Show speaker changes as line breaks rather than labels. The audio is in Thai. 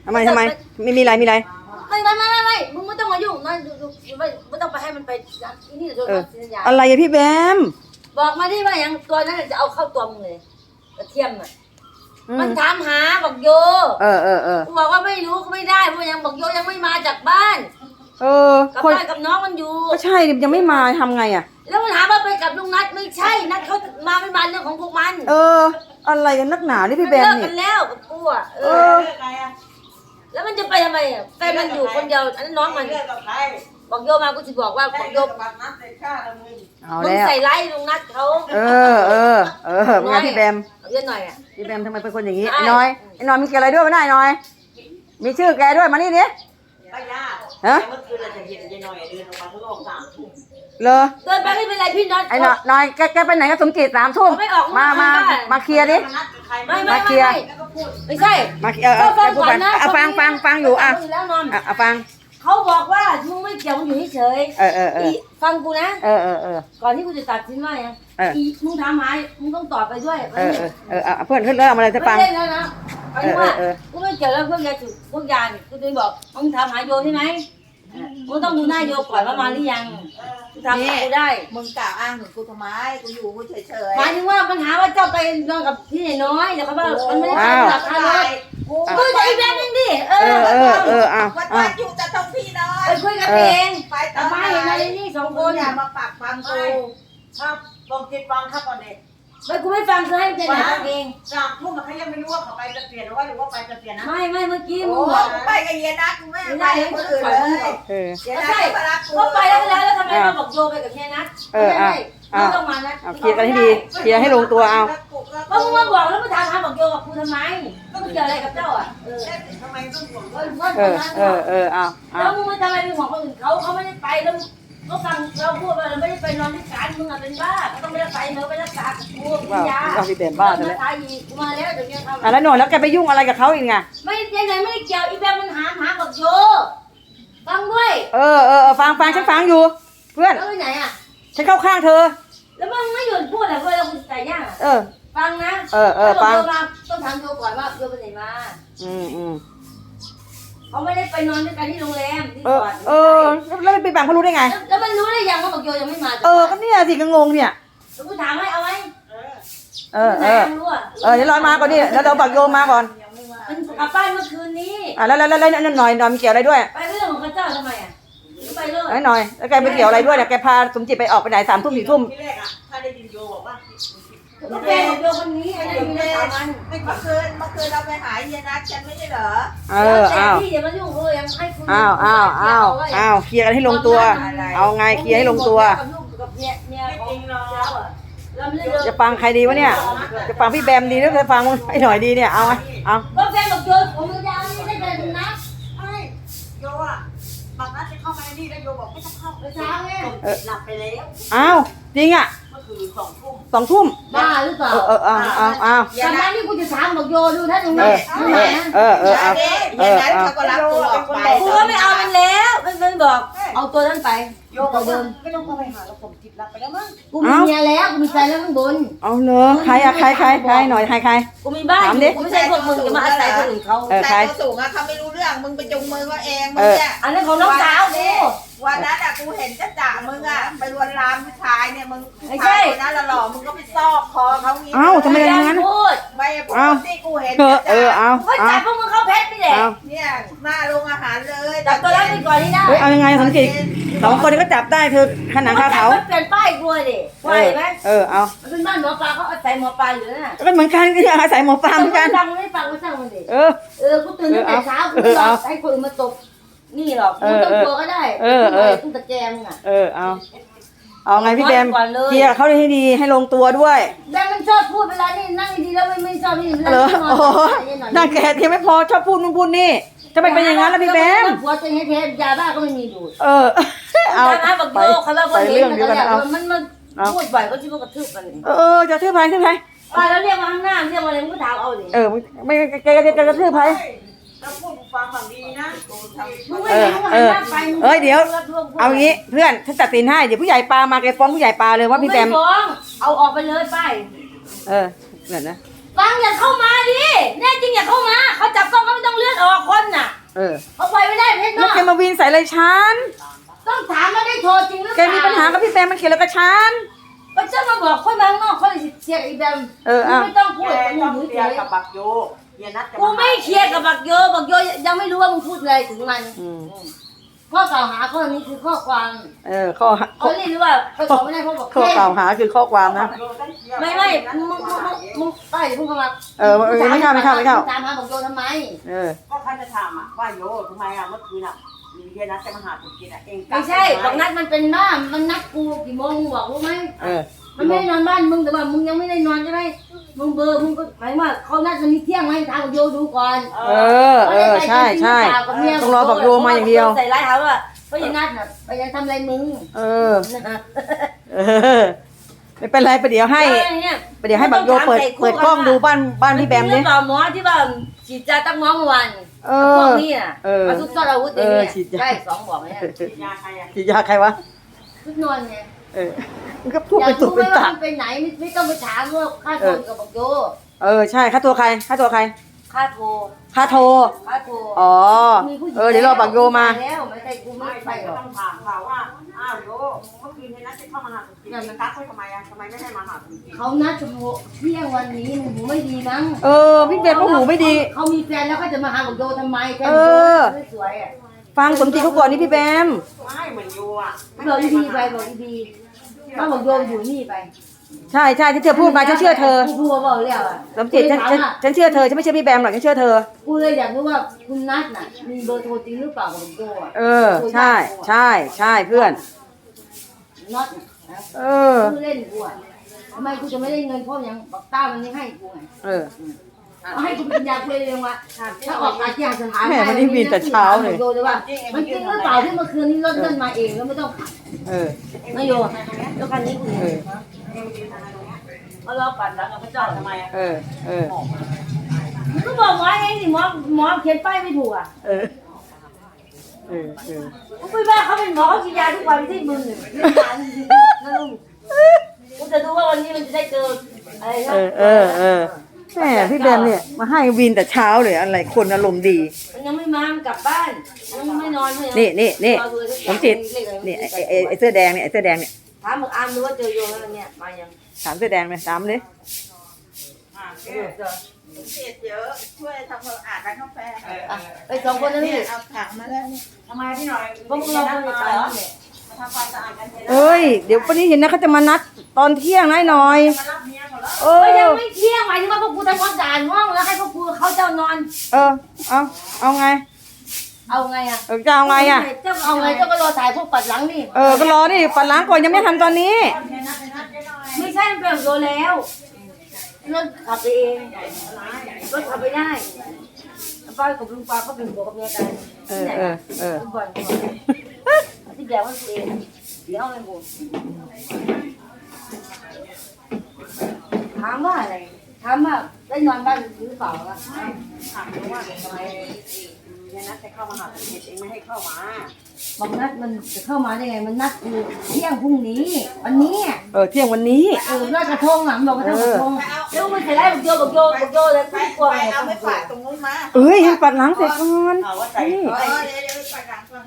ทำไมไม่มีอะไร
ไม่มึงไม่ต้องมายุ่งนะไม่ต้องไปให้มันไปนี่เดี๋ยวโดนสัญญา
อะไรอะพี่แบม
บอกมาที่ว่าอย่างตัวนั้นจะเอาเข้าตัวมึงเลยกระเทียมอ่ะมันถามหาบอกโยกูบอกว่าไม่รู้ก็ไม่ได้เพราะยังบอกโยยังไม่มาจากบ้านกับบ้านกับน้องมันอยู่
ก็ใช่ยังไม่มาทำไงอ่ะ
แล้วมันถามว่าไปกับลุงนัทไม่ใช่นัทเขามาไม่มาเรื่องของพวกมัน
อะไรกันนักหนานี่พี่แบม
เนี่ยเลิกกันแล้วกับกูอ่ะแล้วมันจะไปทำไมอ่ะแฟนมันอยู่คนเดียวอันนั้นน้องมันบอกโยมากูจะบอกว่าบอกโยมึงใส่ไล่ลุงนัทเขา
เป็นไงพี่แบม
เยอะหน่อยอ่ะ
พี่แบมทำไมเป็นคนอย่างนี้ไอ้น้อยมีอะไรด้วยไม่ได้น้อยมีชื่อแกด้วยมานี่ดิ
ป้ายาเมื่อคืนเราจะเห็นยายน้อยเดินออกมาข้างนอก3 ทุ่ม
เหรอ
เดินไปไม่เป็นไรพี่น็อต
ไอ้น้อยแกไปไหนกับสมจิต3 ทุ่มมาเคลียร์ดิ
มาเคลียร์ไม่ใช่
มาเคลียร์ฟังอยู่ฟัง
เขาบอกว่ามึงไม่เกี่ยวมึงอยู่เฉยฟังกูนะก่อนที่กูจะตัดสินว่าอย่างมึงถามหายมึงต้องตอบไปด้วย
เพื่อนขึ้นเรื่องอะไรจะฟัง
เล่นแล้วนะไอ้ว่ากูไม่เกี่ยวแล้วพวกยาจุดพวกยากูจะบอกมึงถามหาโยใช่ไหมมึงต้องดูหน้าโยก่อนว่ามาหรือยังทำกูได้
มึงกล่าวอ้างถึงกูทำไมกูอยู่กูเฉย
หมายถึงว่าปัญหาว่าเจ้าไปนอนกับพี่น้อยเดี๋ยวเขาบอกมันไม่ได้ทำหลักฐานเลยกูจะอีแบบนึงดิ
วัดอยู่แต่ต้องพี่น้อย
ไปคุยกันเองไปต่อไปเห็นอะไรนี่2 คน
อย่ามาปักฟังกูครับลองคิดฟังครับก่อนเด็ก
ไม่กูไม่ฟังคือให้เป็นแบบเอง
3 ทุ่มเขายังไม่รู้ว่าเขาไปจะเปลี่ยนหรือว่าไปจะเปลี่ยนนะ
ไม่เมื่อกี้มึง
บอกไปกับเยนัทกูไม่ไปคนอื่นเลย
เยนัทเขาไปแล้วทำไมมาบอกโยไปกับเยนัทไม่ต้องมานะ
เคลียร์กันให้ดีเคลียร์ให้ลงตัวเอา
ก็มึงมาบอกแล้วมาถามบอกโยกับกูทำไมก็มึงเกี่ยวอะไรกับเจ้าอ่ะ
ทำไมต้องห่วง
แล้วมึงทำไมไปห่วงคนอื่นเขาไม่ได้ไปแล้วเขาฟังเราพูดว่าเราไม่ได้ไปนอนที่ศาลมึงอ่ะเป็นบ้าต้องไม่ได้ไปเนอะไปรักษากูกินยา
พี่เป็นบ้าเลย
ตายอีกกูมาแล้วเดี๋ยวนี้ท
ำแล้วหน่อยแล้วแกไปยุ่งอะไรกับเขาอีกไง
ไม่ยังไงไม่ได้เกี่ยวอีแบบมันหาบอกโยฟังด้วย
ฟังฉันฟังอยู่เพื่อน
แล้วไปไหนอ่ะ
ฉันเข้าข้างเธอ
แล้วมึงไม่หยุดพูดอ่ะเพื่อนเราคุณใจย่างฟังนะฟังต้องถามโยก่อนว่าโยไปไหนมาเขาไม่ได้ไปนอนด้วยกันที่โรงแรมที่ก่อน
แล้วไปบังเขารู้ได้ไง
แล้วมันรู้ได้ยังว่าบอกโยยังไม่มา
ก็เนี่ยสิก็งงเนี่ย
แล้วกูถามให้เอาไหม
เดี๋ยวรอมาก่อนดิแล้วเราบักโยมาก่อน
มันกลับบ้านเมื่อคืนนี้
แล้วหน่อยมีเกี่ยวอะไรด้วย
ไปเรื่องของพระเจ้าทำไมอ่ะไปเลย
หน่อยแล้วแกไปเกี่ยวอะไรด้วยเนี่ยแกพาสมจิตไปออกไปไหน3 ทุ่ม4 ทุ่ม
ที่แรกอ่ะถ้าได้ยินโยบอกว่า
แกบอกโยคนนี้ไอ้นี่มี3 วัน
เมื่อคืนเราไปหาเยนัทฉันไม่ใช่เหรอ
แต่พี่อย่ามายุ่งเลยยังให้คุณ
เคลียร์กันให้ลงตัวเอาไงเคลียร์ให้ลงตัวจะฟังใครดีวะเนี่ยจะฟังพี่แบมดีหรือจะฟังไอ้หน่อยดีเนี่ยเอา
ก็แฟนบอกโยผมมึงยาวนี่ได้กันนะ
โยอ่ะบางนัดจะเข้ามาในนี่แล้วโยบอกไม่ต้องเข้า
ไปช้าไง
หลับไปแล้ว
จริงอ่ะ
เมื่อคืน
2 ทุ่ม
บ้าหรือเปล่าตอนนั้นนี่กูจะถามบอกโยดูถ้าตรงนี้
เยนัทเขาก็รับตัวออกไป
กูก็ไม่เอามันแล้วมันบอกเอาตัวนั้นไป
โยบอกเดิมไม่ต้องเข้าไปหาแล้วผมจิตรับไปแล้วมั้ง
กูมีเมียแล้วกูมีแฟนแล้วข้างบน
เอาเหรอใครหน่อยใคร
กูมีบ้านกูไม่ใช่พวกมึงจะมาอาศัยคนอื่นเขา
แต่ตัวสูงอะเขาไม่รู้เรื่องมึงไปจุงมือเขาเองมึงเนี่ย
อันนั้นของน้องสาวกู
วันนั้นอะกูเห็นจ่ามึงอะไปลวนลามผู้ชายเนี่ยมึงผู้ชายคนนั้นหล่อมึงก็ไปซอกคอเขางี้
ทำไมอย่างนั้น
พูด
ไม่พูดที่กูเห็น
ก็จับพวกมึงเข้าเพชรนี่แหละ
เนี่ยหน้าโรงอาหารเลย
จับตัวแรกไปก่อนนี่ได้
เอายังไงสมจิต2 คนก็จับได้เธอขนาดขาเขา
เปลี่ยนป้ายกลัวดิไหวไหม
เอา
มันเป็นบ้านหมอปลาเขาอาศัยหมอปลาอยู่น่ะ
ก็เหมือนกันก็อาศัยหมอปลาเหมือนกัน
ฟังไม่ฟังก็ช่างมันดิกูตื่นตั้งแต่เช้ากูรอให้คนมาตบนี่หรอกมึงต้องกลัวก็ได้ต้องตะแกรงอ่ะ
เอาไงพี่แบมเคลียร์เขาให้ดีให้ลงตัวด้วย
แบมมันชอบพูดเวลานี่นั่งดีแล้วไม่ชอบนี่
นั่งแกที่ไม่พอชอบพูดนู่นพูดนี่จะไปเป็นอย่างนั้นแล้วพี่แบม
หัวจะให้เทปยาบ้าก็ไม่มีดูด
เอา
ไปเรื่องเดียวกันเอามันพูดบ่อยก็ชิบกระทืบกัน
จะทืบใคร
แล้วเรียกมาข้างหน้าเรียกมาอะไรมึงก็ถามเอาดิ
ไม่แกจะกระทืบใคร
แล้วพูดฟังฝั่งดีนะ
เดี๋ยวเอางี้เพื่อนฉันตัดสินให้เดี๋ยวผู้ใหญ่ปลามาแกฟ้องผู้ใหญ่ปลาเลยว่าพี่แบม
ฟ้องเอาออกไปเลยไป
เหมือนนะ
ฟังอย่าเข้ามาดิแน่จริงอย่าเข้ามาเขาจับกล้องเขาไม่ต้องเลื่อนออกคนน่ะเขาไปไม่ได้เพชร
แล้ว
เนาะ
แกมาวีนใส่อะไรฉัน
ต้องถามว่าได้โทรจริงหรือเป
แก
ล่า
มีปัญหากับพี่แปมมันเกี่ยวอะไรกับฉัน
ก็จะมาบอกคนบางนอกคนเสียอีแบมไม่ต้องพูด
แก
มึ
ต้อง
ง
เคลียร์กับบักโยเฮียนัทจะ
กูไม่เคลียร์กับบักโยยังไม่รู้ว่ามึงพูดอะไรถึงมันข้อกล่าวหาข้อนี้คือข้อความ
ข้อ
เขาเรียกว่าเขาตอบไม่ได้เพราะบอก
ข้อกล่าวหาคือข้อความนะ
ไม่มึงไปพุ่งเข้ามา
ไม่เข้า
ตามหาบักโยทำไม
ก็ท่านจะถามว่าโยทำไมเมื่อคืนเฮียนัทจะมาหาผมกินเอง
ไม่ใช่บอกนัดมันเป็นบ้ามันนัดกูกี่โมงมึงบอกรู้ไหม มันไม่ได้นอนบ้านมึงแต่ว่ามึงยังไม่ได้นอนใช่ไหมมึงเบอร์มึงก็หมายว่าเขานัดวันนี้เที่ยงไหมทางบักโยดูก่อน
ใช่ต้องรอบักโยมาอย่างเดียว
ใส่ร้ายเขาว่าก็ยังนัดน่ะไปยังทำอะไรมึง
ไม่เป็นไรไปเดี๋ยวให้บักโยเปิดกล้องดูบ้านพี่แบมดิ
เปล่าหมอที่ว่าฉีดยาตั้งน้องวันพวกนี้น่ะมาทุกซ่อนอาวุธอย่างเงี้ยใช่2บอกเนี่ย
ฉีดยาใครอ่ะ
ฉีดยาใครวะ
ทุกนอนไง
มันก็พูด
อยา
ไป
ก
ตุ
รู้
ก
ไหม
เป็น
ว่า
ตา
มันไปไหนไม่ต้องไปถามว่าค่าโทรกับบักโย
ใช่ค่าตัวใคร
ค่าโทร
เดี๋ยวรอบักโยมา
แล้วไม่ใช่กูไม่ไปหรอก
ต้องถามเขาว่าอ้าวโยเมื่อคืนเฮียนัทจะเข้ามาหาผมกินมันกักไว้ทำไมทำไมไม่ให้มาหาผมกิน
เขานัดจะเที่ยงวันนี้หูไม่ดีมั้ง
พี่แบมก็หูไม่ดี
เขามีแฟนแล้วก็จะมาหาบักโยทำไมแฟนสวยอ่ะ
ฟังสมจิตเขาก่อนนี่พี่แบม
ไม่เหมือนโยอ่ะ
บอกดีไปบอกดีถ้าบักโยอยู่นี่ไป
ใช่ที่เธอพูดมาฉันเชื่อเธอ
กูบอกเรียกอ่ะ
สมจิตฉันเชื่อเธอฉันไม่เชื่อพี่แบมหรอกฉันเชื่อเธอ
กูเลยอยากรู้ว่าคุณนัทน่ะมีเบอร์โทรจริงหรือเปล่ากับบักโยอ่ะ
ใช่เพื่อน
น็อตนะกูเล่นกูอ่ะทำไมกูจะไม่ได้เงินเพราะยังบักต้ามันยังให้กูไงเอาให้กูเป็นยาคุยเองว่าถ้าออกอาชีพสถานมันจริงหรือเปล่าที่เมื่อคืนนี้รถเดินมาเองแล้วไม่ต้องขับไม่โยแล้วคันนี้กูมารอปั่นแล้วกับพระเจ้าทำไมอ่ะก็บอกหมอเองสิหมอเขียนป้ายไม่ถูกอ่ะกูไปบ้าเขาเป็นหมอเขากินยาทุกวันที่มึงเนี่ยเรื่องยาจริงๆนะลุงกูจะดูว่าวันนี้มันจะได้เจออะไรนะ
แม่พี่แบมเนี่ยมาให้วินแต่เช้าเลยอะไรคนอารมณ์ดี
มันยังไม่มามันกลับบ้านยังไม่นอนเลย
นี่สมจิตนี่ไอ้เสื้อแดงเนี่ย
ถามมึงอามดูว่าเจอโยแล้วเนี่ยมายัง
ถามเสื้อแดงเลยถามเลย
เสียเยอะช่วยทำความสะอาดร้านกาแฟ
ไป2 คนนะพี่
เอาถังมาแล้วทำไมพี่หน่อย
พวกเราคนไปเหรอเนี่ย
มาทำความสะอาดกัน
เดี๋ยววันนี้เห็นนะเขาจะมานัดตอนเที่ยงหน่อย
มารับเมียเขาแล้ว
ก็ยังไม่เที่ยงหมายถึงว่าพวกกูทำความสะอาดห้องแล้วให้พวกกูเขาเจ้านอน
เอาไง
เอาไงอ่ะ
จะเอาไงอ่ะ
เจ้าเอาไงเจ้าก็รอถ่ายพวกปัดหลังนี่
ก็รอนี่ปัดล้างก่อนยังไม่ทำตอนนี้
ไม่ใช่มันเป็นโยแล้วรถขับไปเองรถขับไปได้ป้ากับลุงป้าก็เป็นผัวกับเมียกันทุกคนที่แบกมันเองเดี๋ยวอะไรกูถามว่าอะไรถามว่าได้นอนบ้านหรือเปล่าล่ะ
ถามว่าทำไมเฮียนัทจะเข้ามาหาผมเองไม่ให้เข้ามา
บอกนัดมันจะเข้ามาได้ไงมันนัดคือเที่ยงพรุ่งนี้วันนี้
เที่ยงวันนี้
ลอยกระทงหลังบอกกระทงแล้วมันใส่ได้บักโยเลยกูกลัวไง
เอาไปฝากตรงนู้นมา
ให้ปัดล้างเสร็จก่อน
เอาว่าใส่เดี๋ยวไปฝากก่อน